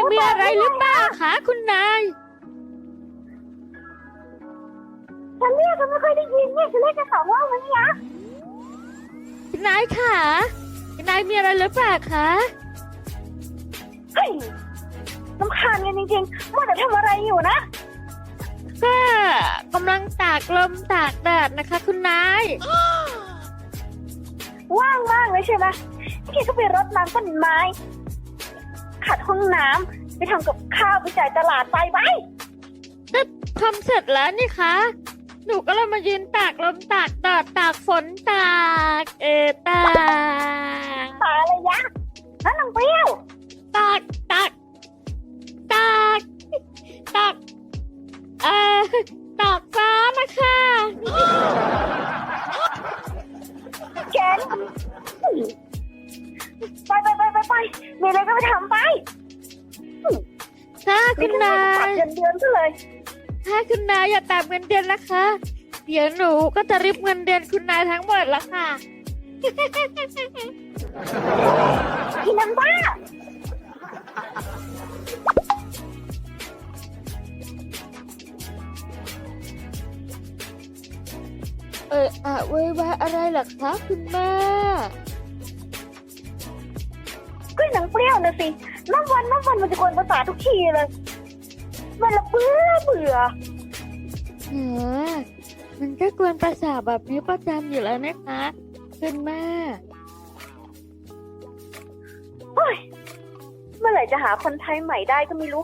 มีอะไรหรือเปล่าคะคุณนายฉันเรียกก็ไม่ค่อยได้ยินเนี่ยฉันเรียกแค่สองรอบแล้วเนี่ยคุณนายค่ะคุณนายมีอะไรหรือเปล่าคะเฮ้ยรำคาญกันจริงๆว่าแต่ทำอะไรอยู่นะก็กำลังตากลมตากแดดนะคะ คุณนายว่างมากเลยใช่ไหมพี่ก็ไปรดน้ำต้นไม้ขัดห้องน้ำไปทำกับข้าวไปจ่ายตลาดไปก็ทำเสร็จแล้วนี่คะหนูก็เลยมายืนตากลมตากแดดตากฝนตากตากตาอะไรยะนั่นนางเปรี้ยวตากตากตากตากตากฟ้านะคะแกนไปมีอะไรก็ไปทำไปถ้าคุณนายตัดเดือนซะเลยถ้าคุณนายอย่าตามเงินเดือนนะคะ เดี๋ยวหนูก็จะริบเงินเดือนคุณนายทั้งหมดละค่ะพี่น้ำบ้าเว้ยว่าอะไรเหรอคะคุณแม่ก็หนังเปรี้ยวนะสิน้ำวันมันจะกวนประสาททุกทีเลยมันละเบื่อมันก็กวนประสาทแบบนี้ประจำอยู่แล้วนะคะคุณแม่เฮ้ยเมื่อไหร่จะหาคนไทยใหม่ได้ก็ไม่รู้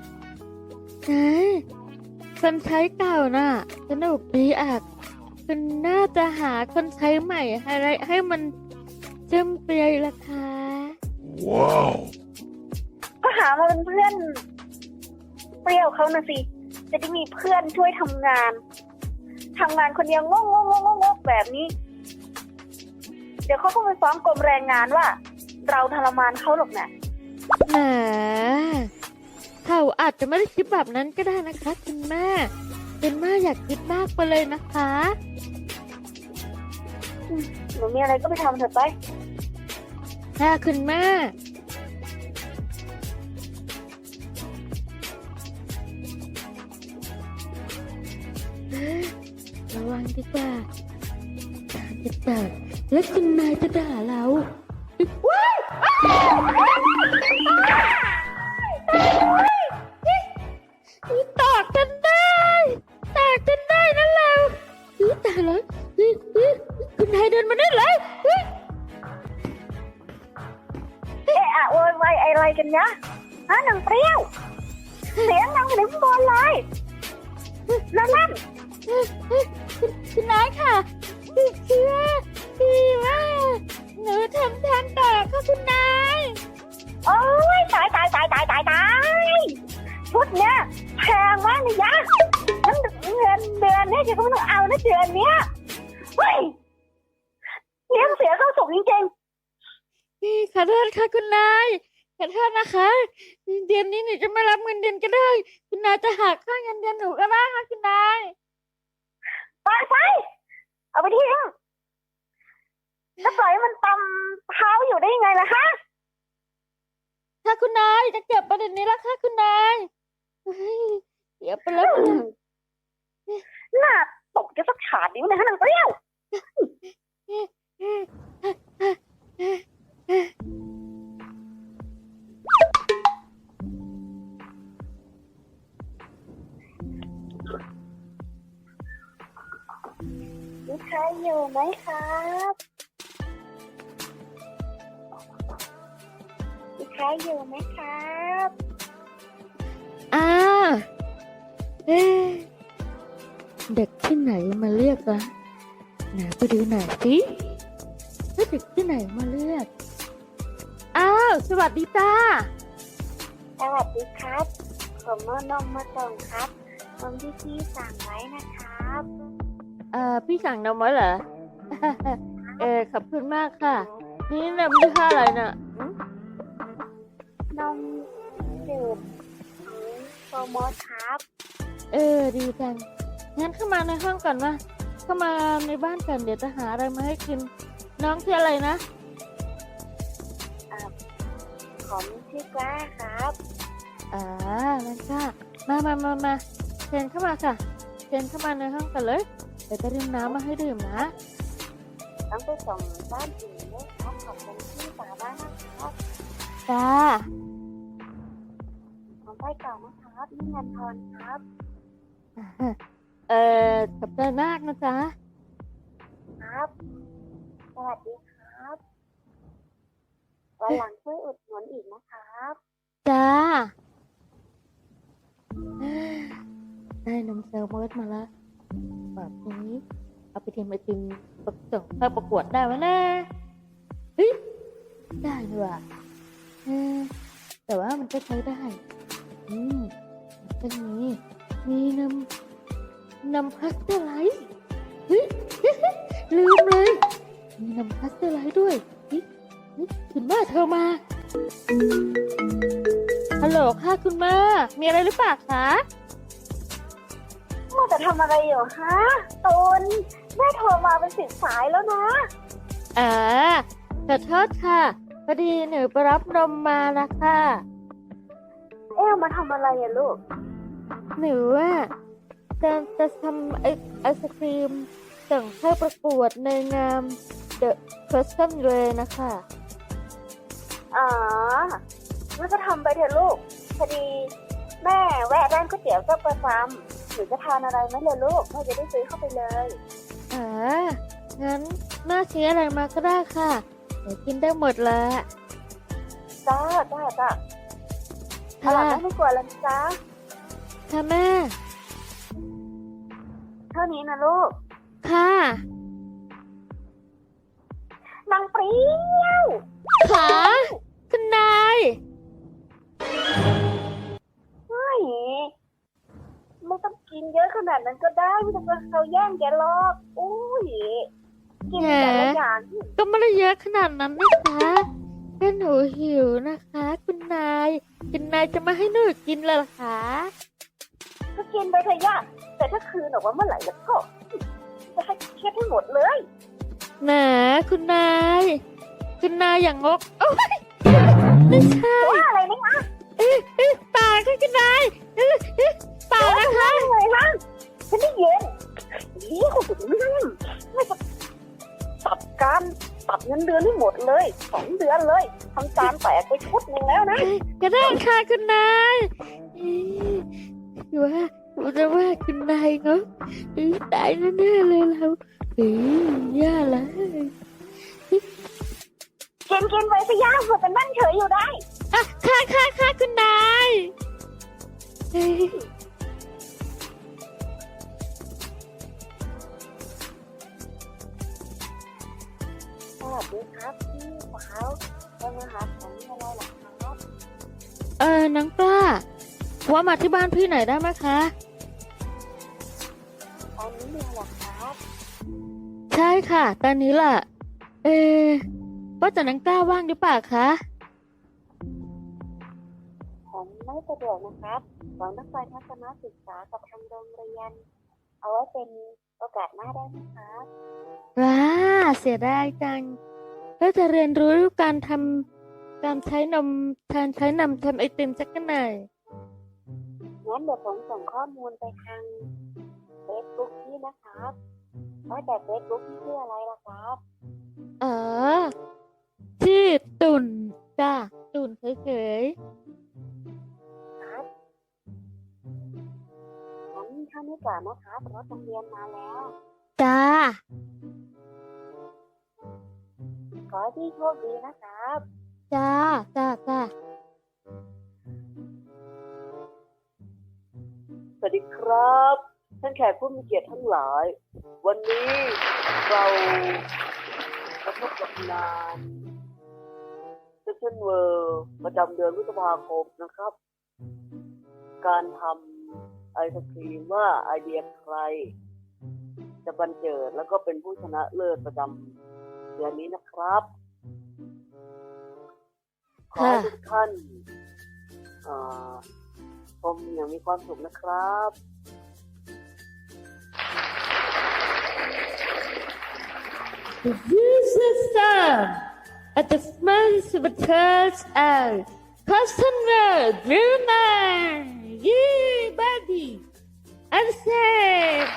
คนใช้เก่าน่ะสนุกดีอ่ะคุณน่าจะหาคนใช้ใหม่อะไรให้มันเจิ้มเปรียล่ะคะว้าวก็หามาเป็นเพื่อนเปรี้ยวเขานะสิจะได้มีเพื่อนช่วยทำงานคนเดียวงกแบบนี้ เดี๋ยวเขาก็ไปฟ้องกรมแรงงานว่า เราทรมานเขาหรอกนะแหมเขาอาจจะไม่ได้คิดแบบนั้นก็ได้นะคะคุณแม่อยากคิดมากไปเลยนะคะหนูมีอะไรก็ไปทำเถอะไปค่ะคุณแม่ระวังดีกว่าจะด่าแล้วคุณนายจะด่าเราตอกจนได้นั่นเราตายแล้วคุณนายเดินมาได้เลยโวยวายอะไรกันยะฮะนางเปรี้ยวเสียงนางถึงบนเลยนั่นคุณนายค่ะคือว่าหนูทำทานต่อค่ะคุณนายโอ้ยตายชุดเนี้ยแพงมากเลยยะนั่นเงินเดือนเนี่ยจะก็ไม่ต้องเอานะเดือนเนี้ยเฮ้ยเลี้ยงเสียเข้าสุกจริงขอโทษค่ะคุณนายขอโทษนะคะเดือนนี้หนูจะไม่รับเงินเดือนก็ได้คุณนายจะหักค่าเงินเดือนหนูก็ได้ค่ะคุณนายๆไปเอาไปทิ้งแล้วปล่อยให้มันตำเท้าอยู่ได้ยังไงล่ะคะค่ะคุณนายจะเก็บประเด็นนี้แล้วค่ะคุณนายเดี๋ยวไปแล้วหน้าตกจะสักขาดนิ้วนะฮะนางเปรี้ยวมีใครอยู่ไหมครับมีใครอยู่ไหมครับเด็กที่ไหนมาเรียกล่ะไหนไปดูหน่อยสิว่าเด็กที่ไหนมาเรียกสวัสดีจ้าสวัสดีครับผมเอานมมาส่งครับนมที่พี่สั่งไว้นะครับพี่สั่งนมไว้เหรอ ขอบคุณมากค่ะ นี่นมยี่ห้ออะไรน่ะนมจืดโปรโมทครับดีจังงั้นเข้ามาในห้องก่อนวะเข้ามาในบ้านก่อนเดี๋ยวจะหาอะไรมาให้กิน น้องชื่ออะไรนะผมชื่อกล้าครับนั่นค่ะมาเชิญเข้ามาค่ะเชิญเข้ามาในห้องกันเลยเดี๋ยวจะดื่มน้ำมาให้ดื่มนะต้องไปส่งบ้านอื่นด้วยครับขอบคุณที่สาบ้านนะครับจ้าผมไปก่อนนะครับนี่งานทอนครับขอบใจมากนะจ๊ะครับสวัสดีครับวันหลังช่วยอุดหนุนอีกนะครับจ้าได้นมเซลมอสมาแล้วแบบนี้เอาไปทำไอติมส่งเข้าประกวดได้ไหมนะเฮ้ยได้ด้วยว่ะแต่ว่ามันก็ใช้ได้มันก็มีนำพาสเตอร์ไลท์เฮ้ย ลืมเลยมีนำพาสเตอร์ไลท์ด้วยคุณแม่เธอมาฮัลโหลค่ะคุณแม่มีอะไรหรือเปล่าคะมัวแต่ทำอะไรอยู่ฮะตูนแม่โทรมาเป็น10 สายแล้วนะขอโทษค่ะพอดีหนูไปรับนมมาแล้วค่ะมาทำอะไรอะลูกหนูจะทำไอศครีมส่งเข้าประกวดในงาม The Custom Way นะคะงั้นก็ทำไปเถอะลูก พอดีแม่แวะร้านก๋วยเตี๋ยวก็ประจำหรือจะทานอะไรไหมเลยลูกแม่จะได้ซื้อเข้าไปเลยงั้นแม่ซื้ออะไรมาก็ได้ค่ะเดี๋ยวกินได้หมดแล้วจ้าอร่อยไม่กลัวแล้วจ้าค่ะแม่เท่านี้นะลูกค่ะนางเปรี้ยวขาคุณนายไม่ต้องกินเยอะขนาดนั้นก็ได้ไม่ต้องเขาแย่งแกหรอกอุ้ยกินแต่ละอย่างก็ไม่ได้เยอะขนาดนั้นนะคะแค่หนูหิวนะคะ คุณนายจะมาให้หนูกินเลยเหรอคะก็กินไปเถอะย่าแต่ถ้าคืนออกมาเมื่อไหร่แล้วก็จะให้เช็ดให้หมดเลยแหมคุณนายอย่างงกโอ้ยไม่ใช่ว่าอะไรนี่นะปากค่ะคุณนายปากนะคะเลยนะฉันได้เย็นนี่เขาถึงไม่จะตัดเงินเดือนให้หมดเลย2 เดือนเลยทำจานแตกไปชุดหนึ่งแล้วนะก็ได้ค่ะคุณนายว่าคุณนายเขาตายแน่ๆเลยเราย่าละกินไปสิย่าเผื่อเป็นบ้านเฉยอยู่ได้ค่ะคุณนายสวัสดีครับพี่สาวจะมาหาผมอะไรหรอครับน้องกล้าว่ามาที่บ้านพี่หน่อยได้ไหมคะตอนนี้มีหรอครับใช่ค่ะตอนนี้ล่ะว่าแต่น้องกล้าว่างหรือเปล่าคะผมไม่สะดวกนะครับหวังต้องไปทัศนศึกษากับทางโรงเรียนเอาไว้เป็นโอกาสหน้าได้ไหมครับว้าเสียดายจังแล้วจะเรียนรู้การใช้นมทำไอติมสักหน่อยงั้นเดี๋ยวผมส่งข้อมูลไปทาง Facebook พี่นะครับว่าแต่ Facebook พี่ชื่ออะไรล่ะครับชื่อตุ่นจ้าตุ่นเฉยครับงั้นเท่านี้ก่อนนะครับรถโรงเรียนมาแล้วๆจ้าขอให้พี่โชคดีนะครับจ้าสวัสดีครับท่านแขกผู้มีเกียรติทั้งหลาย วันนี้เรามาพบกับงานเซสชั่นเวิร์ประจำเดือนพฤษภาคมนะครับ การทำไอศครีมว่าไอเดียใคร จะบันเจิดแล้วก็เป็นผู้ชนะเลิศประจำเดือนนี้นะครับ ขอให้ทุกท่านชมอย่างมีความสุขนะครับ This is Sam at the smells of a church out customer Greenman yeah buddy accept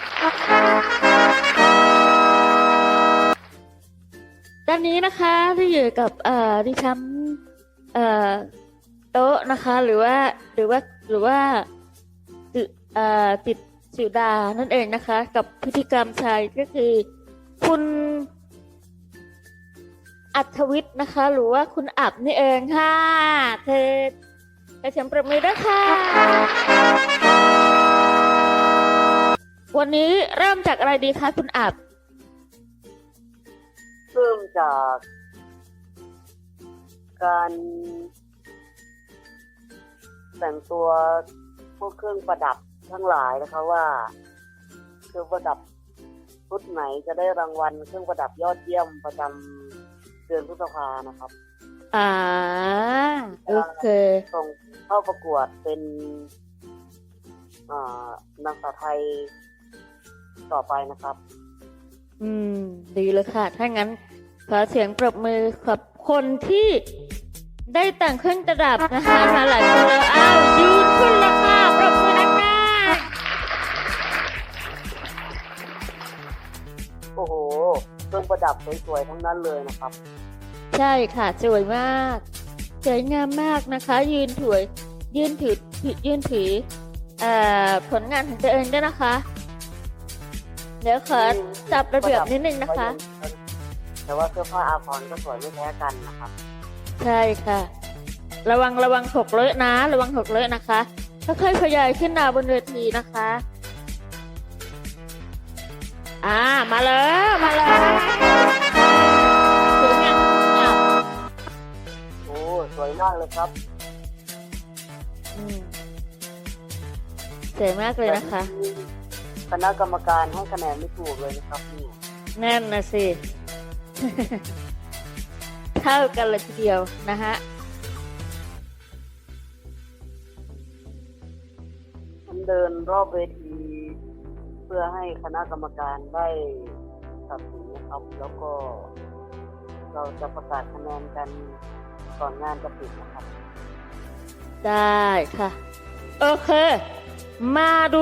ตอนนี้นะคะที่อยู่กับดิฉันโต๊ะนะคะหรือว่าติดสุดานั่นเองนะคะกับพิธีกรรมชายก็คือคุณอัธวิทย์นะคะหรือว่าคุณอับนี่เองค่ะเธอกระเฉมประมือด้วยค่ะวันนี้เริ่มจากอะไรดีคะคุณอับเริ่มจากการแต่งตัวพวกเครื่องประดับทั้งหลายนะคะว่าเครื่องประดับชุดไหนจะได้รางวัลเครื่องประดับยอดเยี่ยมประจำเดือนพฤษภานะครับโอเคส่งเข้าประกวดเป็นนางสาวไทยต่อไปนะครับดีเลยค่ะถ้างั้นขอเสียงปรบมือกับคนที่ได้แต่งเครื่องประดับนะคะมาหลายคนแล้วยืนขึ้นแล้วค่ะปรบมือนะคะโอ้โหเครื่องประดับสวยๆทั้งนั้นเลยนะครับใช่ค่ะสวยมากสวยงามมากนะคะยืนถือผลงานของตัวเองด้วยนะคะเดี๋ยวขอจับระเบียบนิดนึงนะคะแต่ว่าเสื้อผ้าอาภรณ์ก็สวยไม่แพ้กันนะครับใช่ค่ะระวังหกเลอะนะระวังหกเลอะนะคะค่อยๆขยายขึ้นหน้าบนเวทีนะคะมาแล้วสวยงามโอ้สวยมากเลยครับสวยมากเลยนะคะคณะกรรมการให้คะแนนไม่ถูกเลยนะครับนี่แน่นนะสิ เท่ากันเลยทีเดียวนะฮะผมเดินรอบเวทีเพื่อให้คณะกรรมการได้ตัดสินนะครับแล้วก็เราจะประกาศคะแนนกันก่อนงานจะปิดนะครับได้ค่ะโอเคมาดู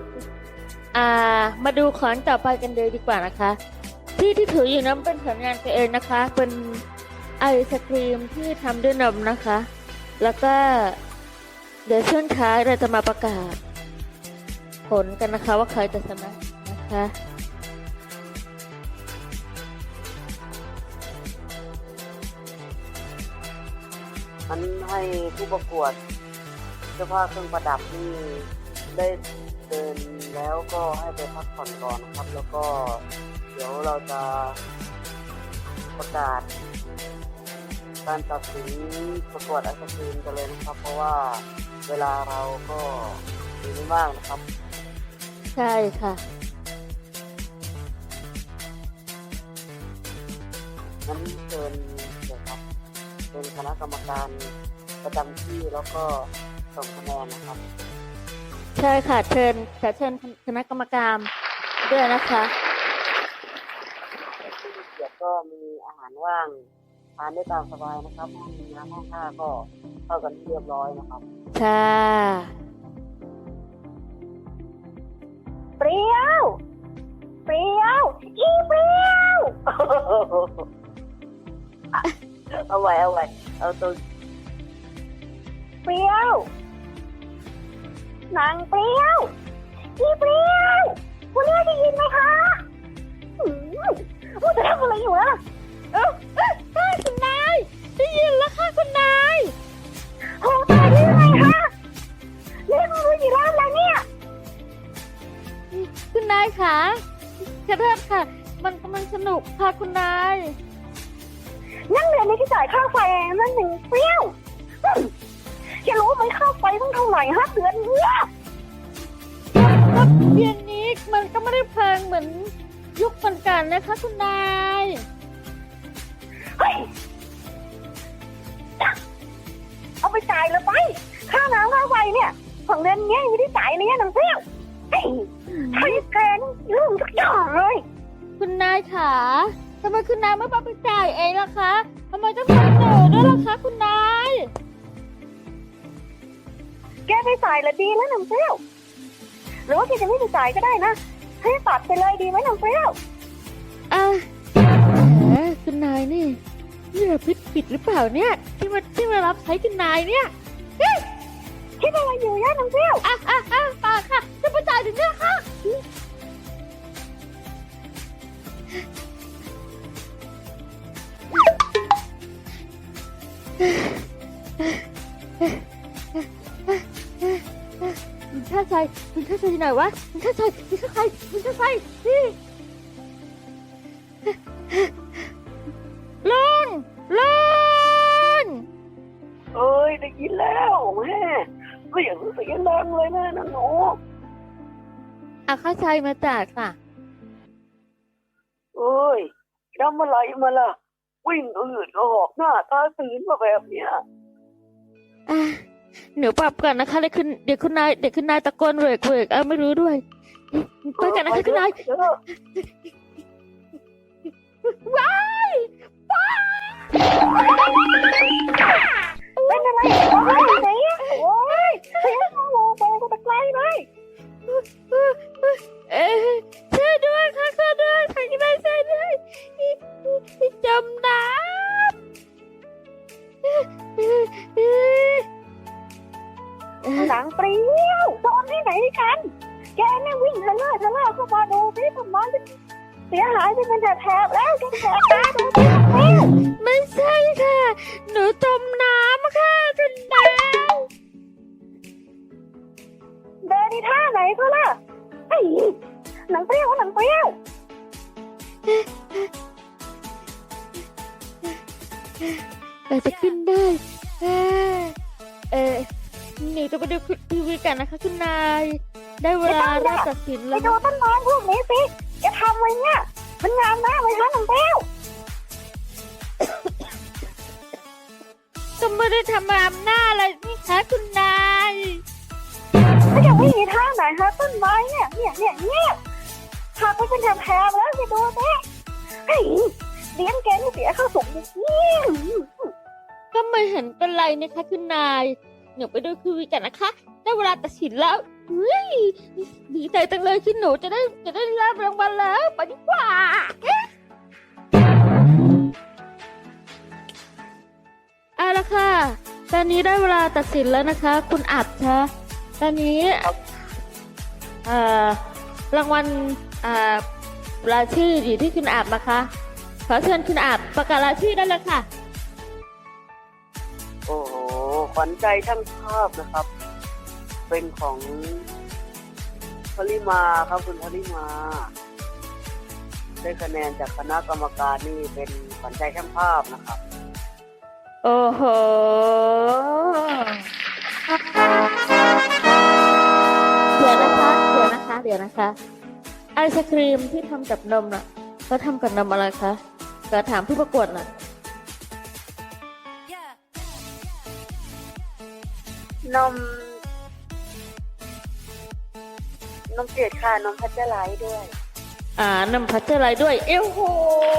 ของต่อไปกันเลยดีกว่านะคะที่ถืออยู่นั้นเป็นผลงานตัวเองนะคะเป็นไอศครีมที่ทำด้วยนมนะคะแล้วก็เดี๋ยวช่วงท้ายเราจะมาประกาศผลกันนะคะว่าใครจะชนะนะคะมันให้ผู้ประกวดเสื้อผ้าเครื่องประดับนี่ได้เดินแล้วก็ให้ไปพักผ่อนก่อนนะครับแล้วก็เดี๋ยวเราจะประกาศการตัดสินประกวดไอศกรีมกันเลยนะครับเพราะว่าเวลาเราก็มีไม่มากนะครับใช่ค่ะงั้นเชิญเลยครับเป็นคณะกรรมการประจำที่แล้วก็ส่งคะแนนนะครับใช่ค่ะเชิญคณะกรรมการด้วยนะคะเดี๋ยวก็มีอาหารว่างทานได้ตามสบายนะครับห้องน้ำห้องท่าก็เข้ากันเรียบร้อยนะครับค่ะเปรี้ยวอีเปรี้ยวเอาไว้เอาตัวเปรี้ยวนางเปรี้ยวอีเปรี้ยวคุณแม่ได้ยินไหมคะว่าจะทำอะไรอยู่อะคุณนายได้ยินแล้วค่ะคุณนายโอ้ตายได้ยังไงคะเล่นมืออยู่ร้านอะไรเนี่ยคุณนายค่ะขอโทษค่ะมันกำลังสนุกค่ะคุณนายนั่งเรียนในที่จ่ายค่าไฟนั่นหนึ่งเปรี้ยวจะรู้ไหมค่าไฟต้องเท่าไหร่ฮะเดือนนี้เดือนนี้มันก็ไม่ได้แพงเหมือนยุคก่อนๆนะคะคุณนายเฮ้ยเอาไปจ่ายเลยไปค่าน้ำค่าไฟเนี่ยของเดือนนี้ไม่ได้จ่ายเลยนางเปรี้ยวใช้แกนลืมทุกอย่างเลยคุณนายขาทำไมคุณนายไม่ไปจ่ายเองล่ะคะทำไมต้องทำหนูด้วยล่ะคะคุณนายแกไปจ่ายละดีแล้วน้ำเปรี้ยวหรือว่าแกจะไม่ไปจ่ายก็ได้นะให้ตัดไปเลยดีไหมน้ำเปรี้ยวอ่ะแหมคุณนายนี่ผิดหรือเปล่าเนี่ยที่มารับใช้คุณนายเนี่ยคิดอะไรอยู่ย่าน้ำเปรี้ยวเปล่าค่ะจะไปจ่ายถึงเนี่ยค่ะคุณข้าใจที่ไหนวะคุณข้าใจนี่ลุงเอ้ยได้ยินแล้วแม่เสียงดังเลยนะหนูข้าใจมาจากค่ะเอ้ยทำอะไรมาล่ะวิ่งอืดก็หอกหน้าตาตื่นมาแบบเนี้ยหนูปรับก่อนนะคะเดี๋ยวคุณนายตะโกนเวกไม่รู้ด้วยไปกันนะคะคุณนายว้ายเป็นอะไรโอ้ยไหนโอ้ยเสียงโง่ไปก็ตะไกลเลยช่วยด้วยค่ะช่วยด้วยทางนี้ช่วยด้วยจมน้ำหนังเปรี้ยวโดนที่ไหนกันแกเนี่ยวิ่งทะเลาะเข้ามาดูสิทำไมเสียหายไปเป็นแถบแล้วแกแถบตาดูสิไม่ใช่ค่ะ หนูจมน้ำค่ะคุณนายเดินที่ท่าไหนก็ล่ะไอ้หนังเปรี้ยวเราจะขึ้นได้หนูจะไปดูทีวีกันนะคะคุณนายได้เวลาเราตัดสินไปแล้วดูต้นไม้พวกนี้สิแกทำไว้เนี่ยมันงามมากเลยฮะหนังเปรี้ยวก็ไม่ได้ทำอำนาจอะไรนี่คะคุณนายไม่จะไม่มีท่าไหนฮะต้นไม้เนี่ยหักไปเป็นแถบแล้วไปดูสิไอ้เลี้ยงแกนี่เสียเข้าสูงนี่ก็ไม่เห็นเป็นไรนะคะคุณนายหนูไปดูทีวีกันนะคะได้เวลาตัดสินแล้วเฮ้ยดีใจจังเลยที่หนูจะได้รับรางวัลแล้วไปดีกว่าเอาละค่ะตอนนี้ได้เวลาตัดสินแล้วนะคะคุณอัดคะตอนนี้รางวัลรายชื่ออยู่ที่คุณอัดนะคะขอเชิญคุณอัดประกาศรายชื่อได้เลยค่ะโอ้โหขวัญใจช่างภาพนะครับ เป็นของพลิมาครับคุณพลิมา ได้คะแนนจากคณะกรรมการนี่เป็นขวัญใจช่างภาพนะครับโอ้โหเดี๋ยวนะคะไอศครีมที่ทำจากนมน่ะเขาทำกับนมอะไรคะก็ถามผู้ประกวดน่ะนมจืดค่ะนมพัชเจอร์ไลท์ด้วยนมพัชเจอร์ไลท์ด้วยเอ้โห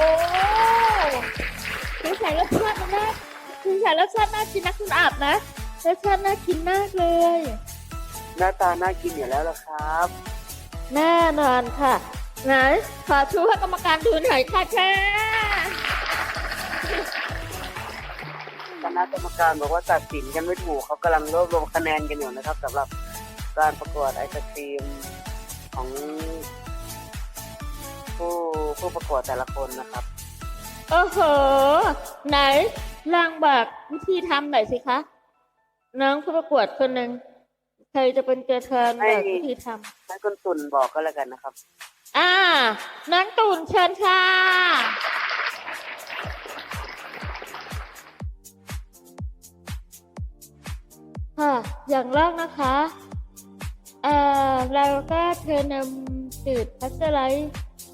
คือใส่รสชาติน่ากินนะคุณอาบนะรสชาติน่ากินมากเลยหน้าตาน่ากินอยู่แล้วล่ะครับแน่นอนค่ะไหนขอชูให้กรรมการดูหน่อยค่ะแค่คณะกรรมการบอกว่าตัดสินกันไม่ถูกเขากำลังรวบรวมคะแนนกันอยู่นะครับสำหรับการประกวดไอศครีมของผู้ประกวดแต่ละคนนะครับโอ้โหไหนลองบอกวิธีทำหน่อยสิคะน้องผู้ประกวดคนหนึ่งใครจะเป็นตัวแทนบอกวิธีทำให้คุณตุ่นบอกก็แล้วกันนะครับน้องตุ่นเชิญค่ะค่ะอย่างแรกนะคะเราก็เทนมจืดพัชเจอร์ไลท์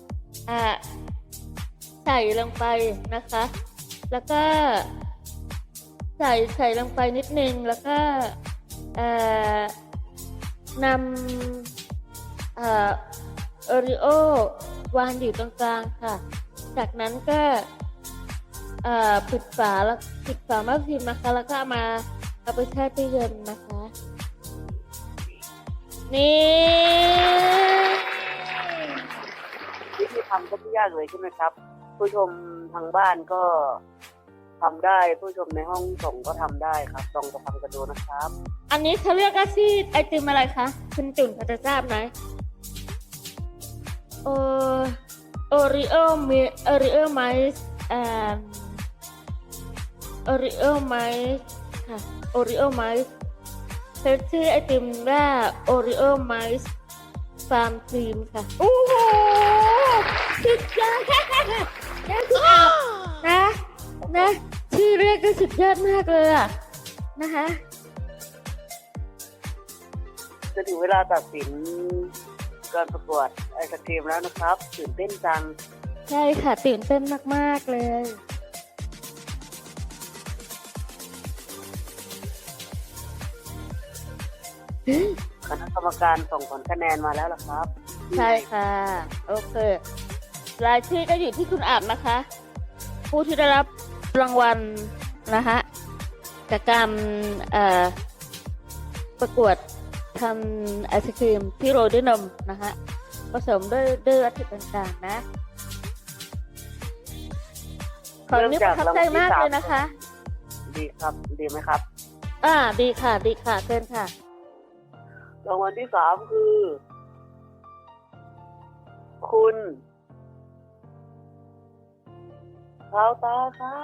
ใส่ลงไปนะคะ แล้วก็ใส่ลงไปนิดนึงแล้วก็นำโอริโอวางอยู่ตรงกลางค่ะ จากนั้นก็ปิดฝาแม่พิมพ์นะคะแล้วก็เอาไปแช่ตู้เย็นนะคะนี่วิธีทำก็ไม่ยากเลยใช่ไหมครับ ผู้ชมทางบ้านก็ทำได้ ผู้ชมในห้องส่งก็ทำได้ครับลองไปทำกันดูนะครับอันนี้เขาเรียกอาชีพไอติมอะไรคะคุณจุ่นพอจะทราบไหมโอริโอมีโอริโอไมส์โอริโอไมส์ค่ะโอริโอไมส์ชื่อไอติมว่าโอริโอไมส์ฟาร์มครีมค่ะโอ้โหสุดยอดนี่คือนะชื่อเรียกก็สุดยอดมากเลยอะนะคะจะถึงเวลาตัดสินการประกวดไอศกรีมแล้วนะครับตื่นเต้นจังใช่ค่ะตื่นเต้นมากๆเลยคณะกรรมการส่งผลคะแนนมาแล้วล่ะครับใช่ค่ะโอเครายชื่อก็อยู่ที่คุณอาบนะคะ ผู้ที่ได้รับรางวัลนะคะจากการประกวดทำไอศครีมที่โรยด้วยนมนะคะผสมด้วยวัตถุต่างๆนะของนี้ประทับใจมากเลยนะคะดีครับดีไหมครับดีค่ะเชิญค่ะรางวัลที่ 3 คือ คุณข้าวตาครับ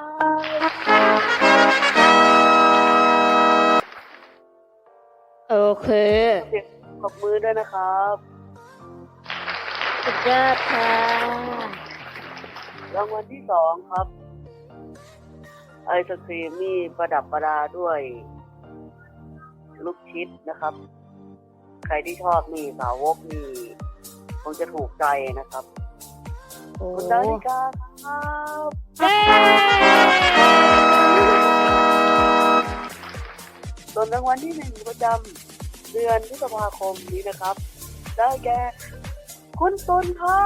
โอเคเสียงปรบมือด้วยนะครับสุดยอดค่ะรางวัลที่ 2 ครับ ไอศครีมนี่ประดับประดาด้วยลูกชิดนะครับ ใครที่ชอบนี่สาวกนี่คงจะถูกใจนะครับโอ้คุณดาริกาครับเย้ส่วนรางวัลที่ 1 ประจำเดือนพฤษภาคมนี้นะครับ ได้แก่คุณตุลครับ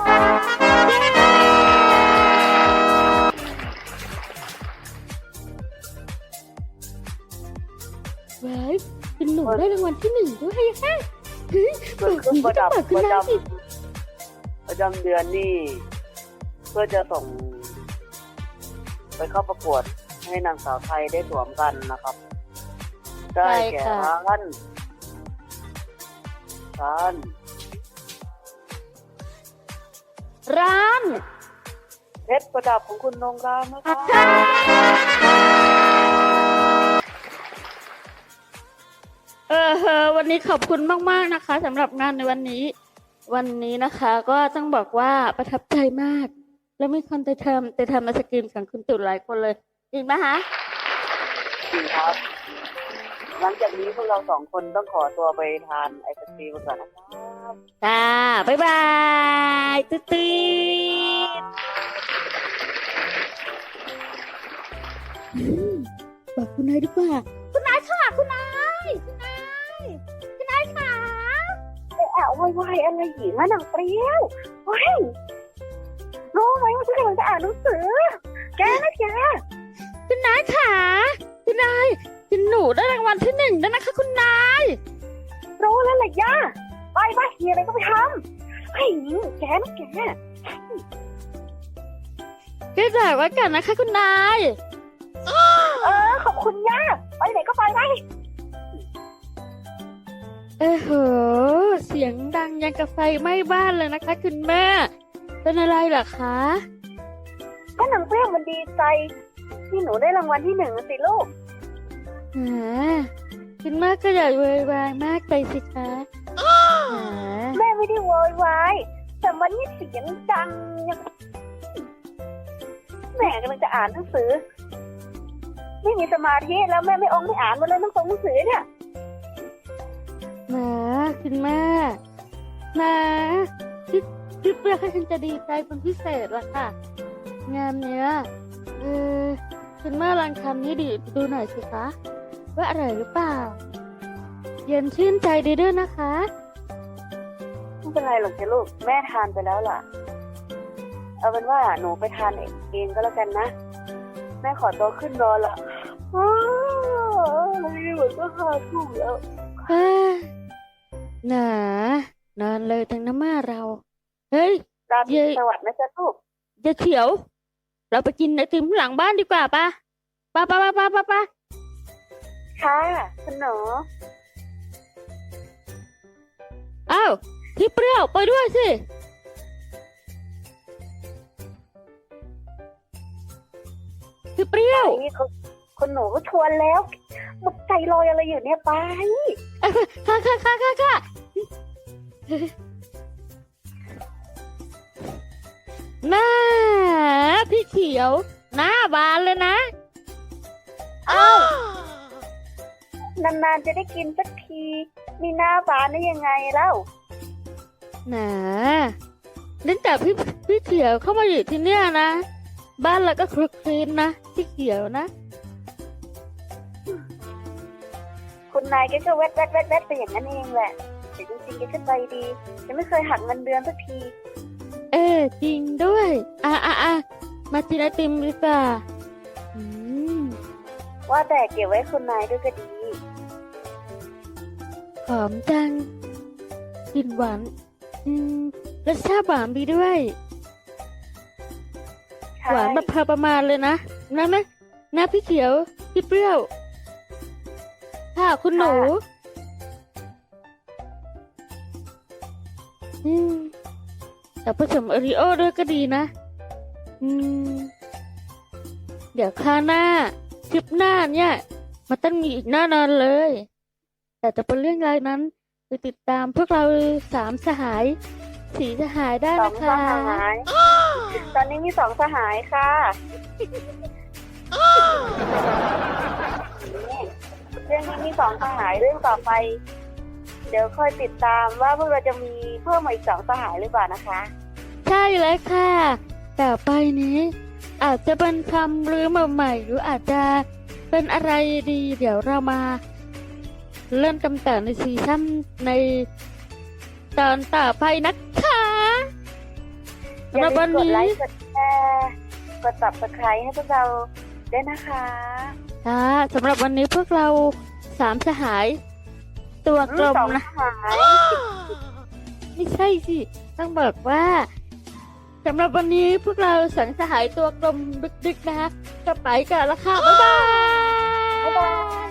ว้ายเป็นหนูได้รางวัลที่ 1ด้วยค่ะเฮ้ยส่วนเครื่องประดับเปิประจสิำเดือนนี่เพื่อจะส่งไปเข้าประกวดให้นางสาวไทยได้สวมกันนะครับ ได้แก่ร้าน เพชรประดับของคุณนงรามนะครับวันนี้ขอบคุณมากๆนะคะสำหรับงานในวันนี้นะคะ ก็ต้องบอกว่าประทับใจมาก แล้วมีคนไปทำไอศกรีมของคุณตุ๋นหลายคนเลยจริงไหมคะจริงครับ หลังจากนี้พวกเรา2 คนต้องขอตัวไปทานไอศกรีมก่อนนะครับจ้าบ๊ายบายตุ๊ดบอกคุณนายดีกว่าคุณนายค่ะคุณนายค่ะแอบวายอะไรหญิงอะนางเปรี้ยวเฮ้ยรู้ไหมว่าฉันกำลังจะอ่านหนังสือ แกนะแกคุณนายค่ะคุณนายคุณหนูได้รางวัลที่ 1แล้วนะคะคุณนายรู้แล้วแหละย่าไปมีอะไรก็ไปทำเฮ้ยแกนะแกก็จากไว้กันนะคะคุณนายขอบคุณย่าไปไหนก็ไปเสียงดังยังกับไฟไหม้บ้านเลยนะคะคุณแม่เป็นอะไรเหรอคะก็นางเปรี้ยวมันดีใจที่หนูได้รางวัลที่ 1สิลูกคุณแม่ก็อย่าโวยวายมากไปสิคะแม่ไม่ได้โวยวายแต่มันนี่เสียงดังยังแม่กำลังจะอ่านหนังสือไม่มีสมาธิแล้วแม่ไม่อ่านมาเลยหนังสือเนี่ยคุณแม่คิดว่าฉันจะดีใจเป็นพิเศษละค่ะ งานเนี้ยคุณแม่ลองทำนี้ดูหน่อยสิคะว่าอร่อยหรือเปล่าเย็นชื่นใจดีด้วยนะคะไม่เป็นไรหรอกจ้ะลูกแม่ทานไปแล้วล่ะเอาเป็นว่าหนูไปทานเองก็แล้วกันนะแม่ขอตัวขึ้นนอนละเหมือนก็ขาดทุ่มแล้วหนานานเลยทั้งน้ำมาเรา เฮ้ยราตรีเย้สวัสดิ์นะจ๊ะลูกยายเขียว เราไปกินไอติมหลังบ้านดีกว่าปะปะปะปะปะปะปะค่ะคุณหนูอ้าวพี่เปรี้ยวไปด้วยสิ พี่เปรี้ยวนี่คุณหนูก็ชวนแล้วหมดใจลอยอะไรอยู่เนี่ยไปค่ะค่ะค่ะค่ะค่ะหน้าพี่เขียว หน้าบานเลยนะอ้าวนานๆจะได้กินสักที มีหน้าบานได้ยังไงเล่าหนาตั้งแต่พี่เขียวเข้ามาอยู่ที่เนี่ยนะ บ้านเราก็คลุกคลีนนะพี่เขียวนะคุณนายแกก็แวดไปอย่างนั้นเองแหละแต่จริงๆแกก็ใจดียังไม่เคยหักเงินเดือนสักทีจริงด้วย มากินไอติมดีกว่าอืมว่าแต่เก็บไว้คุณนายด้วยก็ดีหอมจังกลิ่นหวานรสชาติหวานดีด้วยใช่หวานแบบพอประมาณเลยนะนะพี่เขียว พี่เปรี้ยว ค่ะคุณหนู แต่ผสมโอริโอด้วยก็ดีนะ เดี๋ยวคราวหน้าคลิปหน้าเนี่ยมันต้องมีอีกแน่นอนเลย แต่จะเป็นเรื่องอะไรนั้นไปติดตามพวกเรา3 สหาย4 สหายได้สอนะงคสะหาย ตอนนี้มี2 สหายค่ะนี่เรื่องนี้มี2 สหายเรื่องต่อไป เดี๋ยวค่อยติดตามว่าพวกเราจะมีเพิ่มมาอีก2 สหายหรือเปล่านะคะใช่แล้วค่ะต่อไปนี้ อาจจะเป็นคำลือใหม่ๆหรืออาจจะเป็นอะไรดี เดี๋ยวเรามาเล่นกันต่อในซีซั่นในตอนต่อไปนะคะอย่าสำหรับลืวัมนกดนี้ไลค์กดแชร์กด subscribe ให้พวกเราด้วยนะคะค่ะสำหรับวันนี้พวกเรา3 สหาย ตัวกลมสองนะสหายไม่ใช่สิ ต้องบอกว่าสำหรับวันนี้พวกเรา2 สหายตัวกลมดึกๆนะคะก็ไปกันแล้วค่ะ บ๊ายบายบ๊ายบาย